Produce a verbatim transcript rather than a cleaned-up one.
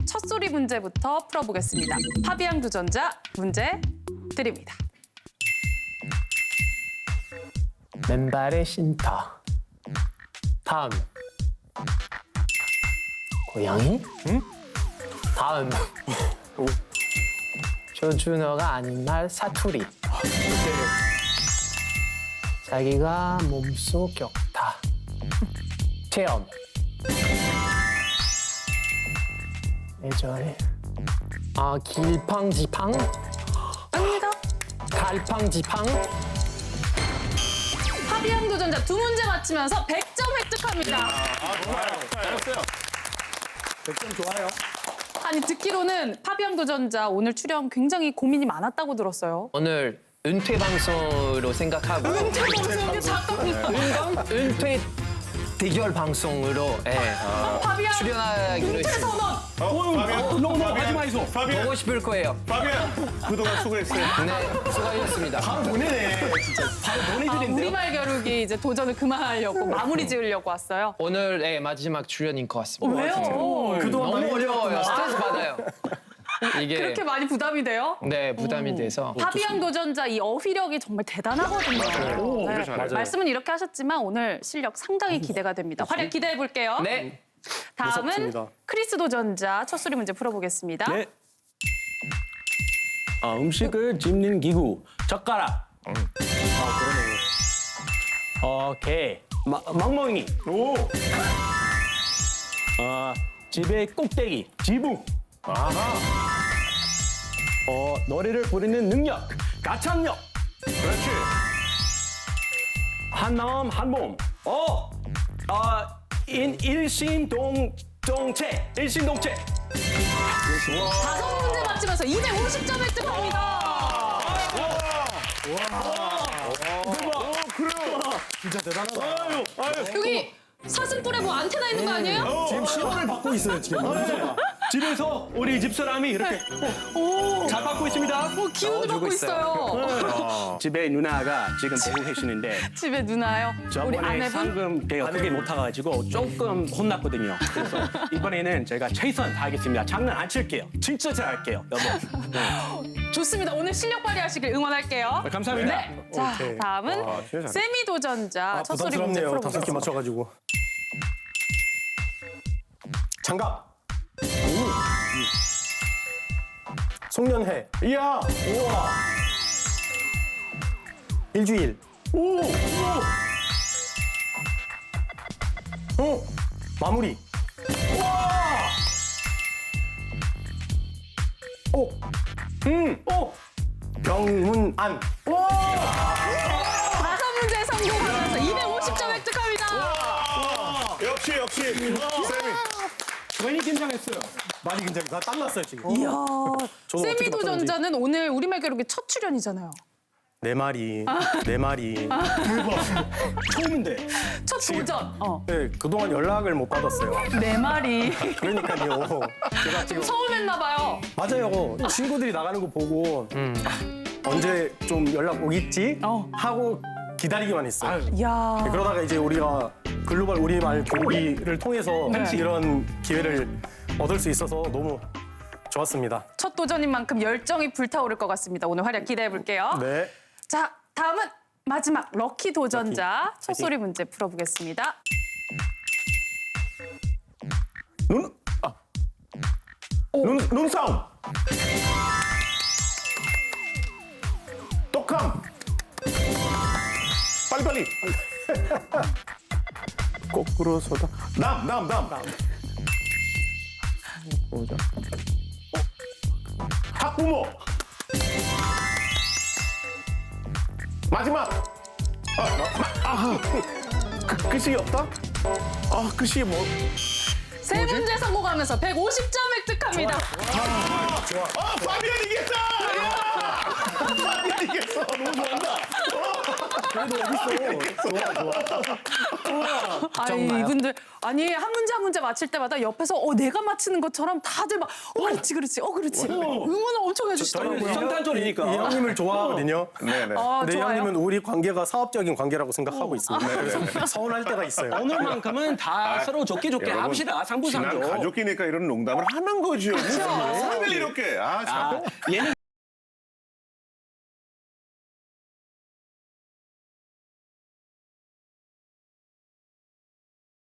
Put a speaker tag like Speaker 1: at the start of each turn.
Speaker 1: 첫소리 문제부터 풀어보겠습니다. 파비앙 도전자 문제 드립니다.
Speaker 2: 맨발의 쉼터. 다음. 고양이? 응? 다음. 표준어가 아닌 말 사투리. 자기가 몸속 격타. 체험. 예전에 아 길팡지팡?
Speaker 1: 아닙니다.
Speaker 2: 갈팡지팡?
Speaker 1: 파비앙 도전자 두 문제 맞히면서 백 점 획득합니다.
Speaker 3: 잘했어요.
Speaker 4: 백 점 좋아요.
Speaker 1: 아니 듣기로는 파비앙 도전자 오늘 출연 굉장히 고민이 많았다고 들었어요.
Speaker 2: 오늘 은퇴 방송으로 생각하고
Speaker 1: 은퇴 방송이 잠깐만.
Speaker 2: 은퇴 대결 방송으로 예,
Speaker 1: 파비앙
Speaker 2: 출연하기로
Speaker 1: 은퇴
Speaker 2: 했습니다.
Speaker 1: 선언.
Speaker 3: 어, 파비안.
Speaker 4: 너무 너무 하지 마이소.
Speaker 3: 파비안.
Speaker 2: 보고 싶을 거예요.
Speaker 3: 파비안. 그동안 수고했어요.
Speaker 2: 네, 수고하셨습니다.
Speaker 4: 보내네. 진짜 바로
Speaker 1: 아,
Speaker 4: 보내드린대요.
Speaker 1: 우리말 겨루기 이제 도전을 그만하려고 마무리 지으려고 왔어요.
Speaker 2: 오늘 예, 마지막 출연인 것 같습니다.
Speaker 1: 왜요?
Speaker 4: 그동안
Speaker 2: 너무
Speaker 4: 많이
Speaker 2: 어려워요. 스트레스 받아요. 이게
Speaker 1: 그렇게 많이 부담이 돼요?
Speaker 2: 네 부담이 돼서
Speaker 1: 파비앙 도전자 이 어휘력이 정말 대단하거든요. 네.
Speaker 3: 잘해요.
Speaker 1: 말씀은 이렇게 하셨지만 오늘 실력 상당히 기대가 됩니다. 활약 기대해 볼게요.
Speaker 2: 네
Speaker 1: 다음은
Speaker 4: 무섭습니다.
Speaker 1: 크리스 도전자 첫 소리 문제 풀어보겠습니다.
Speaker 4: 네. 아, 음식을 집는 기구. 젓가락. 아, 그러네. 어, 개. 마, 망멍이.
Speaker 3: 오.
Speaker 4: 아, 집의 꼭대기. 지붕.
Speaker 3: 아하.
Speaker 4: 어, 노래를 부르는 능력. 가창력.
Speaker 3: 그렇지.
Speaker 4: 한마음 한몸. 어, 아, 인 일심동체. 일심동체.
Speaker 1: 다섯 문제 맞히면서 이백오십 점 획득합니다.
Speaker 4: 진짜 대단하다.
Speaker 3: 아유, 아유.
Speaker 1: 여기 사슴뿔에 뭐 안테나 있는 거 아니에요?
Speaker 4: 지금 시험을 받고 있어요, 지금. 집에서 우리 집사람이 이렇게 잘 받고 있습니다.
Speaker 1: 뭐 기운을 받고 있어요.
Speaker 4: 집에 누나가 지금 보고 계시는데
Speaker 1: 집에 누나요. 우리
Speaker 4: 저번에
Speaker 1: 아내분.
Speaker 4: 상금 배가 크게 못 타가지고 조금 혼났거든요. 그래서 이번에는 제가 최선 다하겠습니다. 장난 안 칠게요. 진짜 잘할게요, 여보.
Speaker 1: 좋습니다. 오늘 실력 발휘하시길 응원할게요.
Speaker 4: 감사합니다.
Speaker 1: 네. 자,
Speaker 4: 오케이.
Speaker 1: 다음은
Speaker 3: 와, 진짜 잘해.
Speaker 1: 세미 도전자 첫 소리 문제
Speaker 4: 부담스럽네요. 다섯 개
Speaker 1: 풀어보겠습니다.
Speaker 4: 맞춰가지고. 장갑. 송년회.
Speaker 3: 이야.
Speaker 4: 우와. 일주일.
Speaker 3: 오. 오.
Speaker 4: 어. 마무리. 오. 음. 오. 병문안.
Speaker 1: 다섯 문제 성공하면서 이백오십 점 획득합니다.
Speaker 3: 역시 역시. 세미.
Speaker 4: 많이 긴장했어요. 많이 긴장. 나 땀났어요 지금.
Speaker 1: 이야,
Speaker 4: 저는
Speaker 1: 세미
Speaker 4: 어떻게
Speaker 1: 도전자는 오늘 우리말 겨루기 첫 출연이잖아요.
Speaker 4: 네 마리. 네 마리. 처음인데.
Speaker 1: 첫 도전. 어.
Speaker 4: 네, 그동안 연락을 못 받았어요.
Speaker 1: 네 마리.
Speaker 4: 그러니까요. 제가 지금
Speaker 1: 처음 했나 봐요.
Speaker 4: 맞아요. 친구들이 나가는 거 보고 아, 언제 좀 연락 오겠지
Speaker 1: 어.
Speaker 4: 하고 기다리기만 했어요.
Speaker 1: 이야.
Speaker 4: 그러다가 이제 우리가 글로벌 우리말 교육을 통해서
Speaker 1: 네.
Speaker 4: 이런 기회를 얻을 수 있어서 너무 좋았습니다.
Speaker 1: 첫 도전인 만큼 열정이 불타오를 것 같습니다. 오늘 활약 기대해 볼게요.
Speaker 4: 네.
Speaker 1: 자, 다음은 마지막 럭키 도전자
Speaker 4: 럭키.
Speaker 1: 첫 소리 문제 풀어보겠습니다.
Speaker 4: 눈, 아. 눈, 눈싸움.
Speaker 3: 똑함. 빨리빨리.
Speaker 4: 거꾸로 서다.
Speaker 3: 남, 남, 남.
Speaker 4: 보자.
Speaker 3: 학부모. 마지막. 아, 마, 아, 그, 글씨 없다? 아, 글씨 뭐?
Speaker 1: 세 문제 성공하면서 백오십 점 획득합니다.
Speaker 3: 아, 파비안 이겼다! 파비안 이겼어. 너무 좋아한다.
Speaker 4: 그래도 어딨어. 좋아, 좋아.
Speaker 1: 아니
Speaker 2: 정말요?
Speaker 1: 이분들 아니 한 문제 한 문제 맞힐 때마다 옆에서 어 내가 맞히는 것처럼 다들 막 어 그렇지 그렇지 어 그렇지 응원을 엄청
Speaker 4: 저희는
Speaker 1: 해주시더라고요.
Speaker 4: 성탄절이니까.
Speaker 5: 이 형님을 좋아하거든요.
Speaker 3: 네네.
Speaker 1: 아,
Speaker 5: 근데 이
Speaker 1: 좋아요.
Speaker 5: 형님은 우리 관계가 사업적인 관계라고 생각하고 있습니다. 그래서 서운할 때가 있어요.
Speaker 4: 오늘만큼은 다 서로 좋게 좋게
Speaker 3: 여러분,
Speaker 4: 합시다.
Speaker 3: 지난
Speaker 4: 상부상조.
Speaker 3: 가족이니까 이런 농담을 하는 거죠. 무슨 농담을 이렇게. 아, 참.
Speaker 4: 아, 얘는